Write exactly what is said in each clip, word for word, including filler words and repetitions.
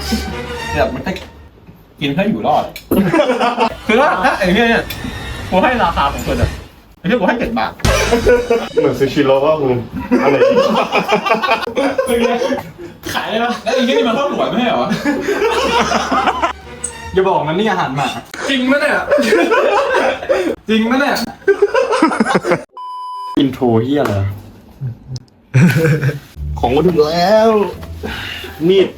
เนี่ยมันจะกินเพื่ออยู่รอดคือว่าถ้าไอ้เนี่ยเนี่ยกูให้ราคาของคนอ่ะไอ้ที่กูให้เจ็ดบาทเหมือนซูชิโร่ว่ามึงอะไรขายได้ปะแล้วไอ้ที่นี่มันข้าวหลวยไม่ใช่เหรออย่าบอกนะนี่อาหารหมาจริงไหมเนี่ยจริงไหมเนี่ยอินโทรเฮียอะไรของมาถึงแล้วมีด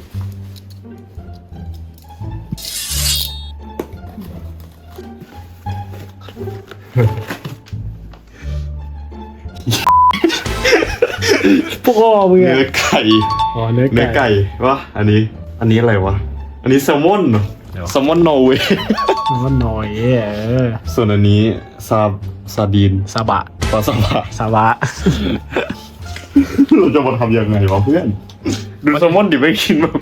พ่อมึงเนื้อไก่อ๋อเนื้อไก่เนื้อไก่วะอันนี้อันนี้อะไรวะอันนี้แซลมอนเหรอแซลมอนนอร์เวย์มันหน่อยเออส่วนอันนี้ซาซาดีนซาบะปลาซาบะซาบะเราจะมาทำยังไงวะเพื่อนดูแซลมอนดิไม่กินแบบ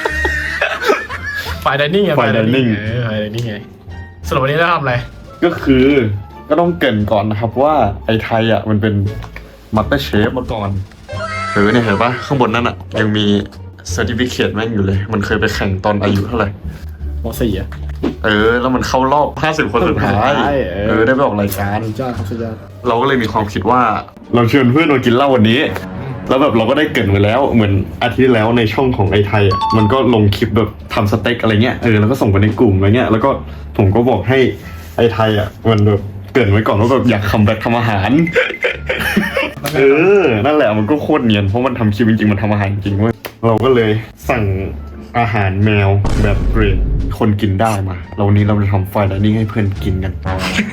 ฝ่ายไดนิ่งไงฝ่ายไดนิ่งเออฝ่ายไดนิ่งไงสรุปวันนี้เราทำอะไรก็คือก็ต้องเกริ่นก่อนนะครับว่าไอ้ไทยอ่ะมันเป็นมัตเตอร์เชฟมาก่อนเออเนี่ยเห็นปะข้างบนนั่นอ่ะยังมีเซอร์ติฟิเคตแม่งอยู่เลยมันเคยไปแข่งตอนอายุเท่าไหร่ม.สี่อ่ะเออแล้วมันเข้ารอบห้าสิบคนสุดท้ายเออได้ไปออกรายการสุดยอดครับสุดยอดเราก็เลยมีความคิดว่าเราเชิญเพื่อนมากินเหล้าวันนี้แล้วแบบเราก็ได้เกริ่นไว้แล้วเหมือนอาทิตย์ที่แล้วในช่องของไอ้ไทยอ่ะมันก็ลงคลิปแบบทำสเต็กอะไรเงี้ยเออแล้วก็ส่งไปในกลุ่มอะไรเงี้ยแล้วก็ผมก็บอกให้ไอ้ไทยอ่ะมันแบบเกริ่นไว้ก่อนว่าแบบอยากคัมแบ็คทำอาหารเออนั่นแหละมันก็โคตรเนียนเพราะมันทำคลิปจริงๆมันทำอาหารจริงเว้ยเราก็เลยสั่งอาหารแมวแบบเกรดคนกินได้มาเราวันนี้เราจะทำไฟน์ไดนิ่งให้เพื่อนกินกัน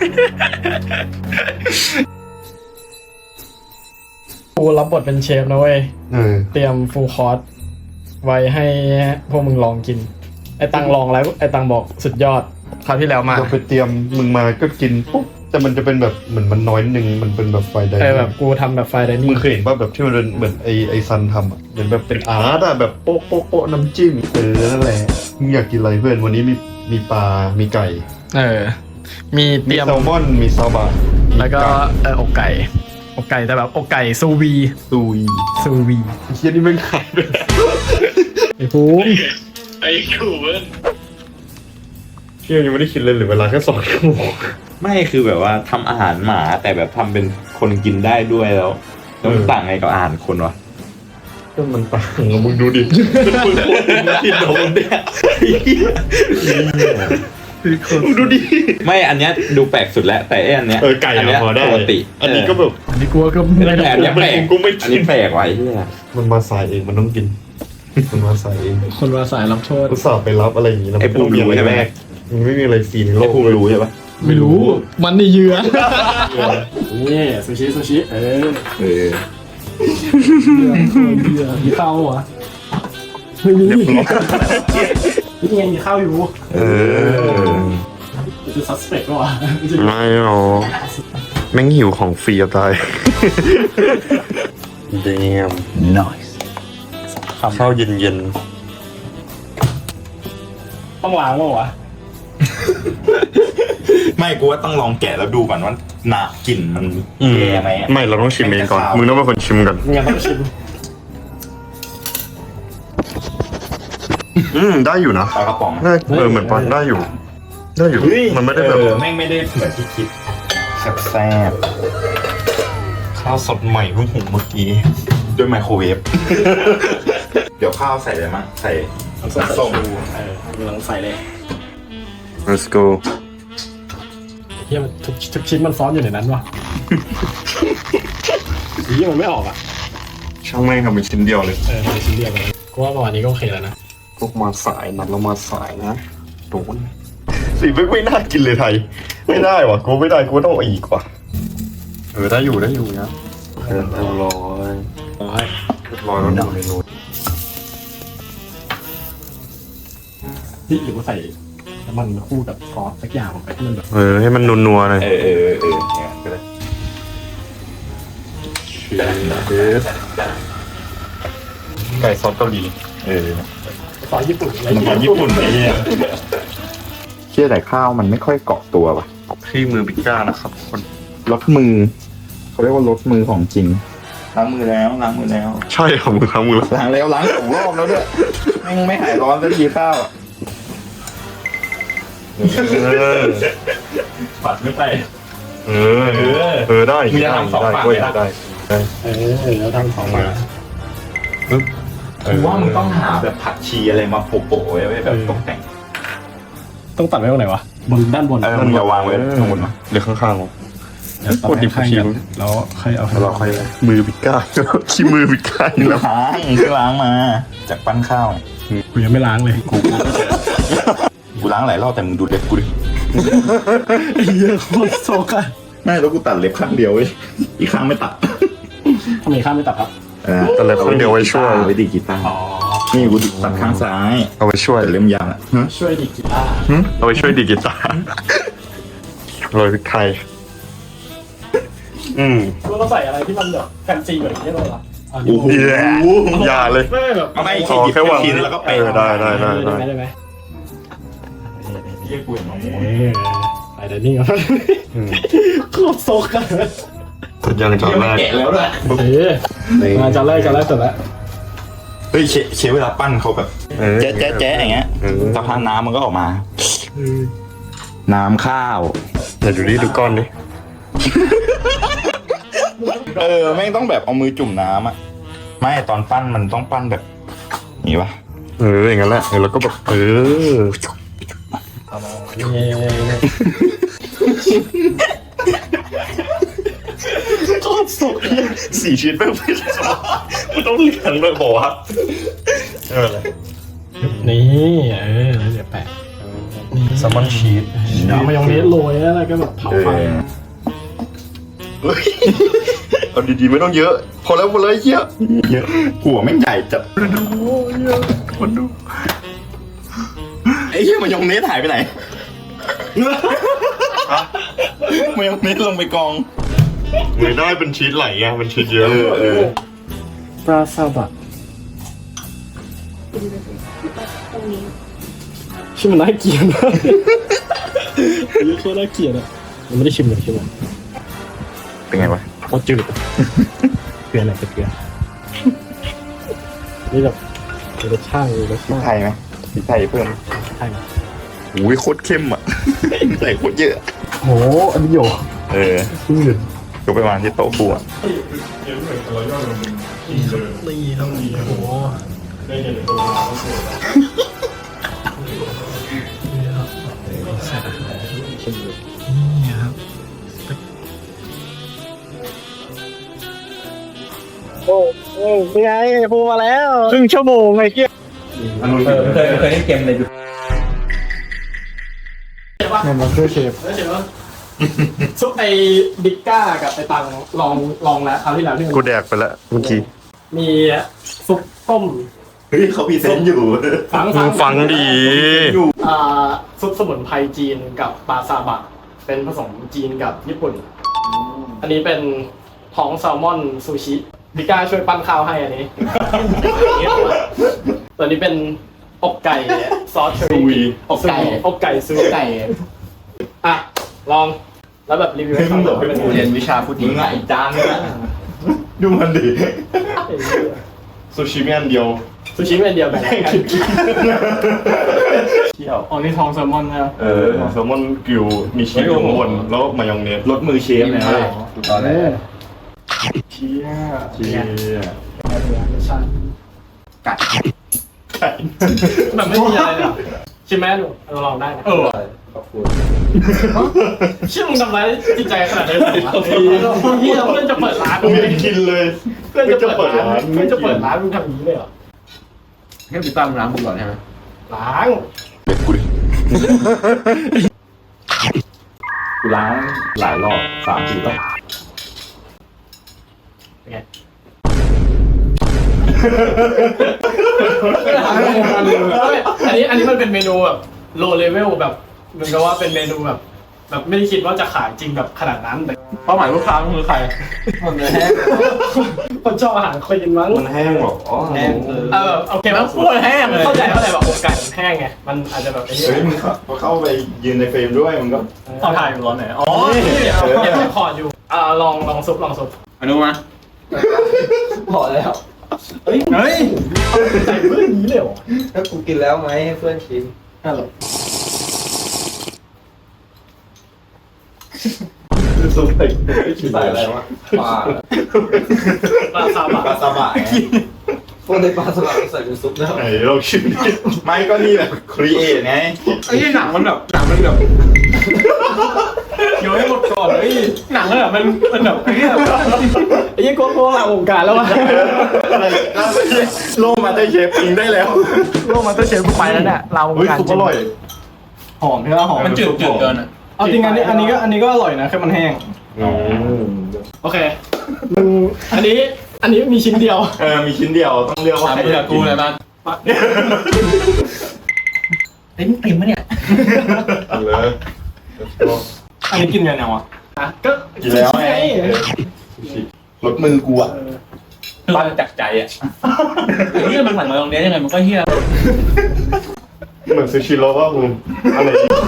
กูรับบทเป็นเชฟนะเว้ยเตรียมฟูลคอร์สไว้ให้พวกมึงลองกินไอ้ตังลองแล้วไอ้ตังบอกสุดยอดคราวที่แล้วมาเราไปเตรียมมึงมาก็กินปุ๊บแต่มันจะเป็นแบบเหมือนมันน้อยนึงมันเป็นแบบไฟไดนิ่งแบบกูทำแบบไฟไดนิ่งมึงเคยเห็นป่ะแบบที่มันเป็นเหมือนไอไอซันทำอ่ะเหมือนแบบเป็นอาร์ตอ่ะแบบโป๊ะโป๊ะโป๊ะน้ำจิ้มเออนั่นแหละมึงอยากกินอะไรเพื่อนวันนี้มีมีปลา มีไก่เออมีเตรียมแซลมอนมีซาบะแล้วก็เอออกไก่อกไก่แต่แบบอกไก่ซูวีซูวีซูวีเฮียนี่ไม่ขายเลยไอ้ภูมิไอ้คูเว้ยเฮียยังไม่ได้คิดเลยหรือเวลาแค่สองชั่วโมงไม่คือแบบว่าทำอาหารหมาแต่แบบทำเป็นคนกินได้ด้วยแล้วแล้วมันต่างไงกับอาหารคนวะก็มันต่างมึงดูดิเป็นคนกินหรอมึงเนี่ยมึงดูดิไม่อันเนี้ยดูแปลกสุดแล้วแต่อันเนี้ยเออไก่พอได้ปกติอันนี้ก็แบบอันนี้กลัวก็ไม่แปลกยังแปลกกูไม่อันนี้แปลกไว้ที่มันมาสายเองมันต้องกินมันมาสายเองคนมาสายรับโทษกูสอบไปรับอะไรอย่างงี้ไอ้ภูมิรู้ใช่ไหมมันไม่มีอะไรฟรีในโลกไอ้ภูมิรู้ใช่ปะไม่รู้มันนี่เยือนี่ซูชิซูชิเออเออเยือมีข้าววะไม่มีนี่ไงมีข้าวอยู่เออจะซัสเปกก็วะไม่หรอแม่งหิวของฟรีตายเดียม nice ข้าวเย็นๆต้องล้างมั้งวะไม่กูว่าต้องลองแกะแล้วดูก่อนว่าหนากลิ่นมันแย่ไหมไม่เราต้องชิมเองก่อนมึงต้องเป็นคนชิมก่อนมึงต้องชิมอืมได้อยู่นะปลากระป๋องได้เออเหมือนปลาได้อยู่ได้อยู่มันไม่ได้แบบแม่งไม่ได้เหมือนที่คิดแซ่บข้าวสดใหม่เพิ่งหุงเมื่อกี้ด้วยไมโครเวฟเดี๋ยวข้าวใส่อะไรมั้งใส่ส้มเออมึงลองใส่เลย let's go เฮียมันทุกทุกชิ้นมันซ้อนอยู่ในนั้นวะเฮียมันไม่ออกอ่ะช่างแม่งทำเป็นชิ้นเดียวเลยเออเป็นชิ้นเดียวเลยกูว่าประมาณนี้ก็โอเคแล้วนะพวกมาสายนัดเรามาสายนะโดนสีไม่ไม่น่ากินเลยไทยไม่ได้ว่ะกูไม่ได้กูต้องอีกว่ะเออได้อยู่ได้อยู่นะเออเรียบร้อยร้อยเรียบร้อยแล้วดูเมนูที่หรือว่าใส่น้ำมันคู่กับซอสสักอย่างลงไปให้มันแบบเออให้มันนัวๆหน่อยเออเออเออเนี่ยก็ได้ไก่ซอสเกาหลีเออซอสญี่ปุ่นอะไรซอสญี่ปุ่นไอ้เนี่ยเชื่อแต่ข้าวมันไม่ค่อยเกาะตัวป่ะที่มือปิก้านะครับคนรสมือเขาเรียกว่ารสมือของจริงล้างมือแล้วล้างมือแล้วใช่ของมือทั้งมือแล้วล้างแล้วล้างสองรอบแล้วด้วยแม่งไม่หายร้อนสักทีข้าวเออปัดไม่ไปเออเออได้มีได้จะทำสองได้ฝั่งกล้วยเลยนะได้ได้เออแล้วทำของมาปึ๊บเอกูอว่ามึงต้องหาแบบผักชีอะไรมาโปะๆไว้ไว้แบบตกแต่งต้องตัดไว้ตรงไหนวะบนด้านบนเออมึงอย่าวางไว้ข้างบนนะเดี๋ยวข้างๆผมเดี๋ยวตัดให้ข้างกันแล้วค่อยเอาแล้วเราค่อยมือปิดก้ายขี้มือปิดก้ายแล้วล้างเพิ่งล้างมา จากปั้นข้าวกูยังไม่ล้างเลยกูกูล้างหลายรอบแต่มึงดูเล็บกูดิเยอะโคตรโซกอะไม่แล้วกูตัดเล็บข้างเดียวเว้ยอีกข้างไม่ตัดทำไมข้ามไม่ตัดครับแต่เล็บข้างเดียวไว้ช่วยไว้ดีกีตาร์นี่กูตัดข้างซ้ายเอาไว้ช่วยแต่เล่มยาวอะช่วยดีกีตาร์เอาไว้ช่วยดีดกีตาร์โรยพริกไทยอืมกูต้องใส่อะไรที่มันแบบแฟนซีแบบนี้เลยเหรอโอ้โหอย่าเลยไม่แบบเอาไม่ขอแค่วางชิ้นแล้วก็ไปเออได้ได้ได้ได้ได้ไหมได้ไหมเยี่ยกูเห็นน้องเออไปเดี๋ยวนี้ก่อนอืมโคตรโซกอะตัดยังจานแรกแกะแล้วด้วยเออมาจานแรกจานแรกเสร็จแล้วเฮ้ยเชเชฟเวลาปั้นเขาแบบเออแจ๊ะแจ๊ะแจ๊ะอย่างเงี้ยเออสักพักน้ำมันก็ออกมา น้ำข้าวเดี๋ยวดูดิดูก้อนดิเออแม่งต้องแบบเอามือจุ่มน้ำอ่ะ ไม่ตอนปั้นมันต้องปั้นแบบนี้ปะเอออย่างนั้นแหละเออแล้วก็แบบเออ สี่ชิ้นแม่งไม่ได้มันต้องเลี้ยงเลยบอกว่าเอออะไรนี่เออแล้วเดี๋ยวแปะแซลมอนชีสเอามายองเนสโรยแล้วก็แบบเผาไฟเฮ้ยเอาดีๆไม่ต้องเยอะ พอแล้วพอแล้วเยอะเยอะหัวแม่งใหญ่จัดมันดูไอ้เหี้ยมายองเนสหายไปไหนมายองเนสลงไปกองไม่ได้เป็นชีสไหลไงมันชีสเยอะเออเออปลาซาบะชื่อมันน่าเกลียดมากนี่โคตรน่าเกลียดอ่ะยังไม่ได้ชิมเลยใช่ไหมเป็นไงวะโคตรจืดเกลืออะไรเกลือนี่แบบรสชาติรสชาติไทยไหมพริกไทยเพิ่มใช่อุ้ยโคตรเข้มอ่ะใส่โคตรเยอะโหอันนี้โยเออชื่อก็ไปวางที่โต๊ะครัวนี่เท่านี้โหนี่ครับโอ้โหเป็นไงพูมาแล้วครึ่งชั่วโมงไอ้เกี้ยเออเคยเคยเล่นเกมในยูเนี่ยมันคือเชฟซุปไอ้บิ๊กก้ากับไอ้ตังลองลองแล้วคราวที่แล้วที่มันกูแดกไปแล้วเมื่อกี้มีซุปต้มเฮ้ยเขาพรีเซนต์อยู่ฟังมึงฟังดีอ่าซุปสมุนไพรจีนกับปลาซาบะเป็นผสมจีนกับญี่ปุ่น อันนี้เป็นท้องแซลมอนซูชิบิ๊กก้าช่วยปั้นข้าวให้อันนี้ ตัวนี้เป็นอกไก่ซอสเชอรี่อกไก่อกไก่ซูไก่อ่ะลองแล้วแบบรีวิวให้ฟังหน่อยว่าเป็นไงเรียนวิชาพูดมึดีงอ่ะอีกจานนึงนะดูมันดิซูชิมีอันเดียวซูชิเป็นเดียวกันเที่ยวอ๋อนี่ทองแซลมอนนะครับเออแซลมอนกริวมีชีสอยู่ข้างบนแล้วมายองเนสรถมือเชฟเนี่ยถูกตอนแรกเชี่ยเชียรสชาติกัดแบบไม่มีอะไรเลยเหรอชิมไหมหนูเราลองได้นะเออเชื่อมึงทำร้ายจิตใจขนาดนี้เลยเหรอนี่เราเพื่อนจะเปิดร้านกูไม่ได้กินเลยเพื่อนจะเปิดร้านเพื่อนจะเปิดร้านมึงทำอย่างนี้เลยเหรอให้พี่ตั้มล้างมือก่อนใช่ไหมล้างเด็กกูดิกูล้างหลายรอบสามสี่รอบเป็นไง อันนี้อันนี้มันเป็นเมนูแบบโลเลเวลแบบเหมือนกับว่าเป็นเมนูแบบแบบไม่ได้คิดว่าจะขายจริงแบบขนาดนั้นแต่เป้าหมายลูกค้าคือใครคนเลยแห้งคนชอบอาหารคลีนมั้งมันแห้งหรออ๋อแห้งคือเออโอเคมันพูดแห้งเข้าใจเข้าใจแบบอกไก่มันแห้งไงมันอาจจะแบบไอ้นี่เฮ้ยมึงเข้าไปยืนในเฟรมด้วยมึงก็เอาถ่ายร้อนไหนอ๋อเดี๋ยวเดี๋ยวคอร์ดอยู่อ่าลองลองซุปลองซุปอนุมาพอแล้วเฮ้ยเฮ้ยใส่เพื่อนนี้เลยเหรอถ้ากูกินแล้วไหมให้เพื่อนชิมฮัลโหลซุปเต็กใส่อะไรวะปลาปลาซาบะปลาซาบะไงพวกในปลาสลัดใส่เป็นซุปแล้วไหนเราชิมดิไม่ก็นี่แบบครีเอทไงไอ้หนังมันแบบหนังมันแบบโยนให้หมดก่อนเฮ้ยหนังอะมันมันแบบไอ้เนี่ยไอ้ยี่โก้โก้หลังวงการแล้ววะอะไรโลมาได้เชฟกินได้แล้วโลกมาสเตอร์เชฟกูไปแล้วเนี่ยเราวงเฮ้ยการซุปอร่อยหอมใช่ไหมหอมมันจืดจืดเกินอะเอาจริงอันนี้อันนี้ก็อันนี้ก็อร่อยนะแค่มันแห้ง โอเคมึงอันนี้อันนี้มีชิ้นเดียวเออมีชิ้นเดียวต้องเลือกว่าถามใครเพื่อกูเลยบ้างเต็มเต็มปะเนี่ยเลยอันนี้กินยังไงวะอ่ะก็กินแล้วไงรสมือกูอ่ะคือมันจากใจอะไอ้เนี่ยมันสั่งมาตรงนี้ยังไงมันก็เฮี้ยเหมือนซูชิโร่ว่ามึงอะไร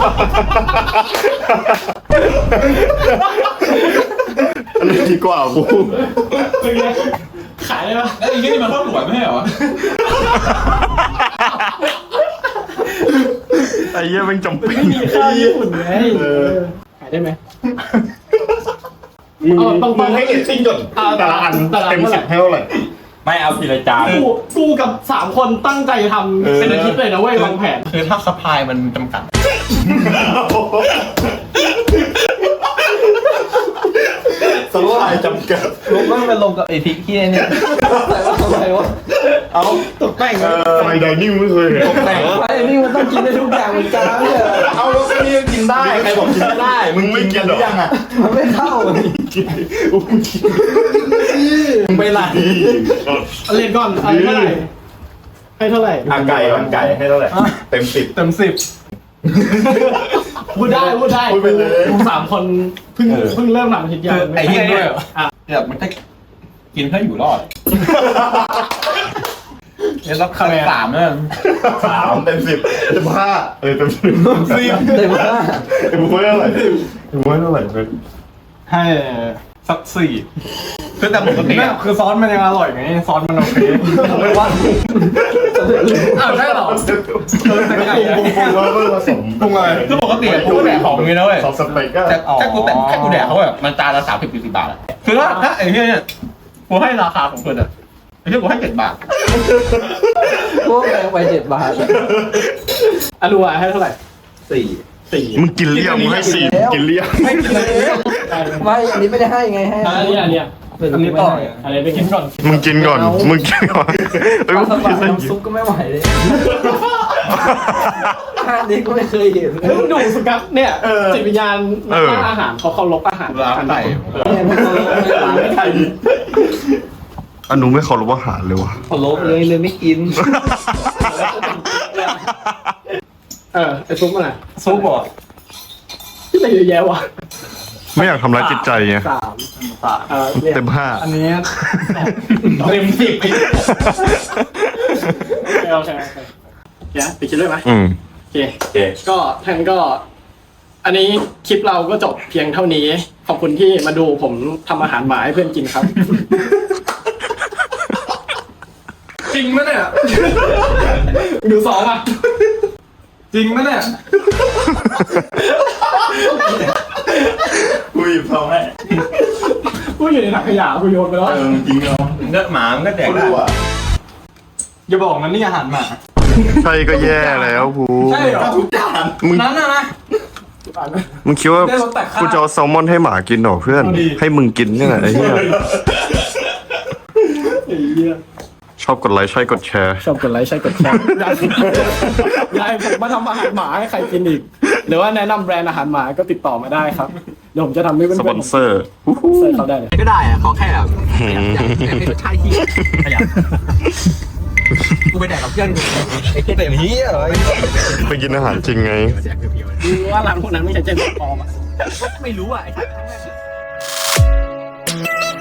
อันนี้ดีกว่ากูเป็นไงขายได้ปะแล้วไอ้เฮี้ยนี่มันข้าวหลวยไม่ใช่เหรอไอ้เหี้ยมันจำเป็นไม่มีข้าวญี่ปุ่นไงขายได้ไหมมึงเอาตรงๆมึงให้เรตติ้งก่อนอ่าแต่ละอันแต่ละอันเต็มสิบให้เท่าไหร่ไม่เอาทีละจานกูกูกับสามคนตั้งใจทำเป็นอาทิตย์เลยนะเว้ยวางแผนคือถ้าซัพพลายมันจำกัดสลายจำกัดลงมันไปลงกับไอ้พริกที่เนี่ยใส่ว่าทำไมวะเอาตกแต่งไฟไดนิ่งไม่เคยเห็นไอ้นี่มันต้องกินได้ทุกอย่างเหมือนกันเนี่ยเอาแล้วก็นี่กินได้ใครบอกกินไม่ได้ มึงไม่กินหรือยังอ่ะมันไม่เข้าอุ้มกินมึงไปไหนเล่นก่อนไอ้เท่าไหร่ให้เท่าไหร่อ่ะไก่มันไก่ให้เท่าไหร่เต็มสิบเต็มสิบพูดได้พูดได้พูดไปเลยกูสามคนเพิ่งเพิ่งเริ่มทำอาทิตย์เดียวคือไอ้เฮี้ยด้เนี่วยยอ่ะแบบมันจะกินเพื่ออยู่รอดเนี่ยรับคะแนนสามเนี่ยสามเต็มสิบเต็มห้าเออเต็มสิบสิบเต็มห้าเต็มห้าเท่าไหร่เต็มห้าเท่าไหร่เป็นให้สักสี่คือแต่ปกติไม่อะคือซอสมันยังอร่อยไงซอสมันโอเคไม่ว่าอ้าวใช่เหรอเออแต่ไงปรุงปรุงแล้วก็ผสมปรุงอะไรคือปกติอะกูก็แดกของอย่างนี้นะเว้ยซอสสเต็กก็แต่แค่กูแต่แค่กูแดกเขาแบบมันจานละสามสิบสี่สิบบาทอะคือถ้าถ้าไอ้เนี้ยเนี่ยกูให้ราคาของเพื่อนอะไอ้เนี้ยกูให้เจ็ดบาทพวกแพงไปเจ็ดบาทอะดูอ่ะให้เท่าไหร่สี่สี่มึงกินเลี้ยงมึงให้สี่กินเลี้ยงไม่กินเลยไม่อันนี้ไม่ได้ให้ไงให้อันนี้อันนี้อันนี้ต่ออะไรไปกินก่อนมึงกินก่อนมึงกินก่อนเฮ้ยปมึลาง สกินบะได้น้ำซุปก็ไม่ไหวเลยห้านี้ก็ไม่เคยเห็นเฮ้ยมึงดูสกัดเนี่ยจิตวิญญาณนักล่าอาหารเขาเคารพอาหารร้านไหนเนี่ยมันเขาไม่ใครอนุไม่เคารพอาหารเลยวะเขาลบเลยเลยไม่กินเออไอซุปมันอ่ะซุปเหรอที่ไหนเยอะแยะวะไม่อยากทำร้ายจิตใจไงสามสามเออเนี่ยเต็มห้าอันนี้เต็มสิบไปโอเคโอเคโอเคเดี๋ยวปิดคลิปเลยไหมอืมโอเคก็ท่านก็ อันนี้คลิปเราก็จบเพียงเท่านี้ ขอบคุณที่มาดูผมทำอาหารหมาให้เพื่อนกินครับ จริงไหมเนี่ย ดูสองอ่ะ จริงไหมเนี่ยกูหยิบทองให้กูอยู่ในถังขยะกูโยนไปแล้วเออจริงเหรอเนื้อหมามันก็แดกกูได้รู้อ่ะอย่าบอกนะนี่อาหารหมาใช่ก็แย่แล้วกูใช่เหรอทุกจานมึงนั้นนะนะมึงคิดว่าได้รสแต่ข้าวกูจะเอาแซลมอนให้หมากินเหรอเพื่อนเอาดิให้มึงกินเนี่ยแหละไอ้เหี้ยไอ้เหี้ยชอบกดไลค์ใช่กดแชร์ชอบกดไลค์ใช่กดแชร์อยากอยากให้ผมมาทำอาหารหมาให้ใครกินอีก หรือว่าแนะนำแบรนด์อาหารหมาก็ติดต่อมาได้ครับ เดี๋ยวผมจะทำให้เพื่อนสๆปอนเซอร์เสิร์ฟเขาได้เลยก็ได้อะขอแค่แบบอยากอยากอยากให้รสชาติที่ขยันกูไปแดกกับเพื่อนกูไอ้เต็มเฮียเลยไปกินอาหารจริงไงดูว่าร้านพวกนั้นไม่ใช่เจนปลอมอ่ะไม่รู้อ่ะไอ้ทั้งนั้น